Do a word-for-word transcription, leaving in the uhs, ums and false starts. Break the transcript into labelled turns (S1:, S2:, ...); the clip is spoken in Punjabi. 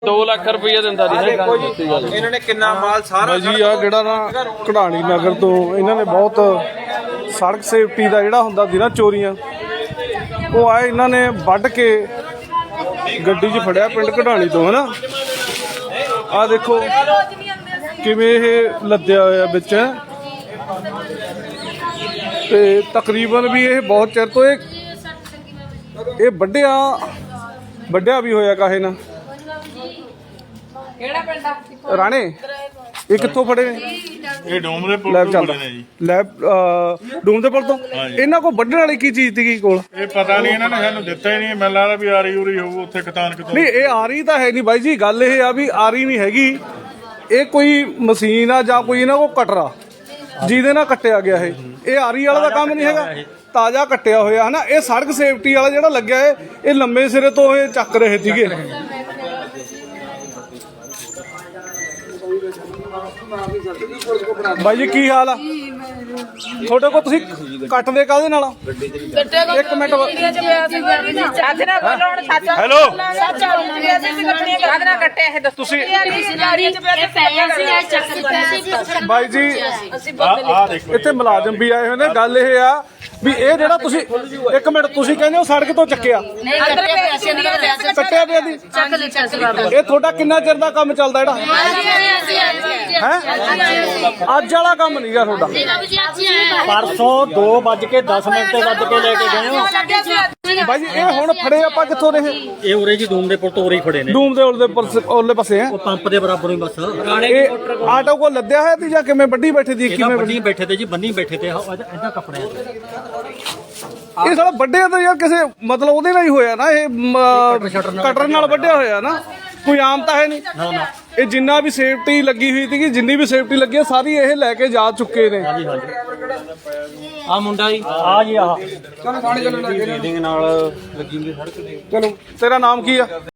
S1: दो लाख रुपया दिंदा जी
S2: ਇਹਨਾਂ ਨੇ ਕਿੰਨਾ ਮਾਲ ਸਾਰਾ
S3: ਜੀ ਆ ਜਿਹੜਾ ਨਾ ਕਢਾਣੀ ਨਗਰ ਤੋਂ ਇਹਨਾਂ ਨੇ ਬਹੁਤ ਸੜਕ ਸੇਫਟੀ ਦਾ ਜਿਹੜਾ ਹੁੰਦਾ ਸੀ ਨਾ ਚੋਰੀਆਂ ਉਹ ਆਏ ਇਹਨਾਂ ਨੇ ਵੱਢ ਕੇ ਗੱਡੀ 'ਚ ਫੜਿਆ ਪਿੰਡ ਕਢਾਣੀ ਤੋਂ ਹਨਾ ਆ ਦੇਖੋ ਕਿਵੇਂ ਇਹ ਲੱਦਿਆ ਹੋਇਆ ਵਿੱਚ ਤੇ ਤਕਰੀਬਨ ਵੀ ਇਹ ਬਹੁਤ ਚਿਰ ਤੋਂ ਇਹ ਇਹ ਵੱਢਿਆ ਵੱਢਿਆ ਵੀ ਹੋਇਆ ਕਾਹੇ ਨਾ
S4: ਕਿਹੜਾ ਪਿੰਡ ਆ
S3: ਰਾਣੇ ਇਹ ਕਿੱਥੋਂ ਫੜੇ ਨੇ
S5: ਇਹ ਡੋਮ ਦੇ ਪੁਲ
S3: ਲੈਬ
S5: ਤੋਂ
S3: ਚੱਲਦਾ
S5: ਫੜੇ ਨੇ ਜੀ।
S3: ਲੈਬ ਡੂਮ ਦੇ ਪੁਲ ਤੋਂ ਇਹਨਾਂ ਕੋਲ ਵੱਢਣ ਵਾਲੀ ਕੀ ਚੀਜ਼ ਸੀਗੀ ਕੋਲ
S5: ਇਹ ਪਤਾ ਨਹੀਂ ਇਹਨਾਂ ਨੇ ਸਾਨੂੰ ਦਿੱਤਾ ਹੀ ਨਹੀਂ। ਮੈਨੂੰ ਲੱਗਦਾ ਵੀ ਆਰੀ ਉਰੀ ਹੋਊ ਉੱਥੇ ਕਤਾਨ ਕਿਤੋਂ।
S3: ਨਹੀਂ ਇਹ ਆਰੀ ਤਾਂ ਹੈ ਨਹੀਂ ਬਾਈ ਜੀ ਗੱਲ ਇਹ ਆ ਵੀ ਆਰੀ ਨਹੀਂ ਹੈਗੀ ਇਹ ਕੋਈ ਮਸ਼ੀਨ ਆ ਜਾਂ ਕੋਈ ਇਹਨਾਂ ਕੋਲ ਕਟਰਾ ਜਿਹਦੇ ਨਾਲ ਕੱਟਿਆ ਗਿਆ ਇਹ ਇਹ ਆਰੀ ਵਾਲਾ ਦਾ ਕੰਮ ਨਹੀਂ ਹੈਗਾ ਤਾਜ਼ਾ ਕੱਟਿਆ ਹੋਇਆ ਹਨਾ ਇਹ ਸੜਕ ਸੇਫਟੀ ਵਾਲਾ ਜਿਹੜਾ ਲੱਗਿਆ ਹੈ ਇਹ ਲੰਮੇ ਸਿਰੇ ਤੋਂ ਇਹ ਚੱਕ ਰਹੇ ਸੀਗੇ ਬਾਈ ਜੀ ਕੀ ਹਾਲ ਆ ਤੁਹਾਡੇ ਕੋਲ ਤੁਸੀਂ ਕੱਟਦੇ ਕਾਹਦੇ ਨਾਲ ਇੱਕ ਮਿੰਟ
S4: ਅੱਜ ਨਾ ਬੋਲੋ ਹੁਣ ਸੱਚ
S3: ਹੈਲੋ
S4: ਸੱਚ ਅੱਜ ਨਾ ਕੱਟਿਆ ਇਹ ਦੱਸੋ
S3: ਤੁਸੀਂ
S4: ਤੁਸੀਂ
S3: ਬਾਈ ਜੀ
S5: ਆ ਦੇਖੋ
S3: ਇੱਥੇ ਮੁਲਾਜ਼ਮ ਵੀ ਆਏ ਹੋਏ ਨੇ ਗੱਲ ਇਹ ਆ ਵੀ ਇਹ ਜਿਹੜਾ ਤੁਸੀਂ ਇੱਕ ਮਿੰਟ ਤੁਸੀਂ ਕਹਿੰਦੇ ਹੋ ਸੜਕ ਤੋਂ ਚੱਕਿਆ ਕੱਟਿਆ ਪਿਆ ਦੀ ਇਹ ਤੁਹਾਡਾ ਕਿੰਨਾ ਚਿਰ ਦਾ ਕੰਮ ਚੱਲਦਾ ਜਿਹੜਾ ਹੈ ਅੱਜ ਵਾਲਾ ਕੰਮ ਨਹੀਂਗਾ ਤੁਹਾਡਾ
S6: परसों दो बज के दस मिनट से बज के लेके गए हो
S3: ਬਾਈ ਜੀ ਇਹ ਹੁਣ ਫੜੇ ਆਪਾਂ ਕਿੱਥੋਂ ਰਹੇ
S6: ये उरे जी दूम दे पुल तो उरे ही खड़े ने
S3: ਡੂਮ ਦੇ ਉਲਦੇ ਪਾਸੇ ਉਰਲੇ ਪਾਸੇ ਹੈ
S6: वो पंप दे बराबर ही बस
S3: ਇਹ ਆਟੋ ਕੋ ਲੱਦਿਆ ਹੈ ਤੇ ਜਾਂ ਕਿਵੇਂ ਵੱਡੀ ਬੈਠੇ ਦੀ ਕਿਵੇਂ
S6: बन्नी बैठे थे जी बन्नी बैठे थे ऐसा कपड़े
S3: ਇਹ ਸਾਲਾ ਵੱਡਿਆ ਤਾਂ ਯਾਰ ਕਿਸੇ ਮਤਲਬ ਉਹਦੇ ਨਾਲ ਹੀ ਹੋਇਆ ਨਾ ਇਹ ਕਟਰ ਨਾਲ ਵੱਡਿਆ ਹੋਇਆ ਨਾ ਕੋਈ ਆਮ ਤਾਂ ਹੈ ਨਹੀਂ ਇਹ ਜਿੰਨਾ ਵੀ ਸੇਫਟੀ ਲੱਗੀ ਹੋਈ ਸੀਗੀ ਜਿੰਨੀ ਵੀ ਸੇਫਟੀ ਲੱਗੀ ਹੈ ਸਾਰੀ ਇਹ ਲੈ ਕੇ ਜਾ ਚੁੱਕੇ ਨੇ
S6: आ मुंडा जी आ जी आ
S3: ਚਲੋ ਤੇਰਾ ਨਾਮ ਕੀ ਆ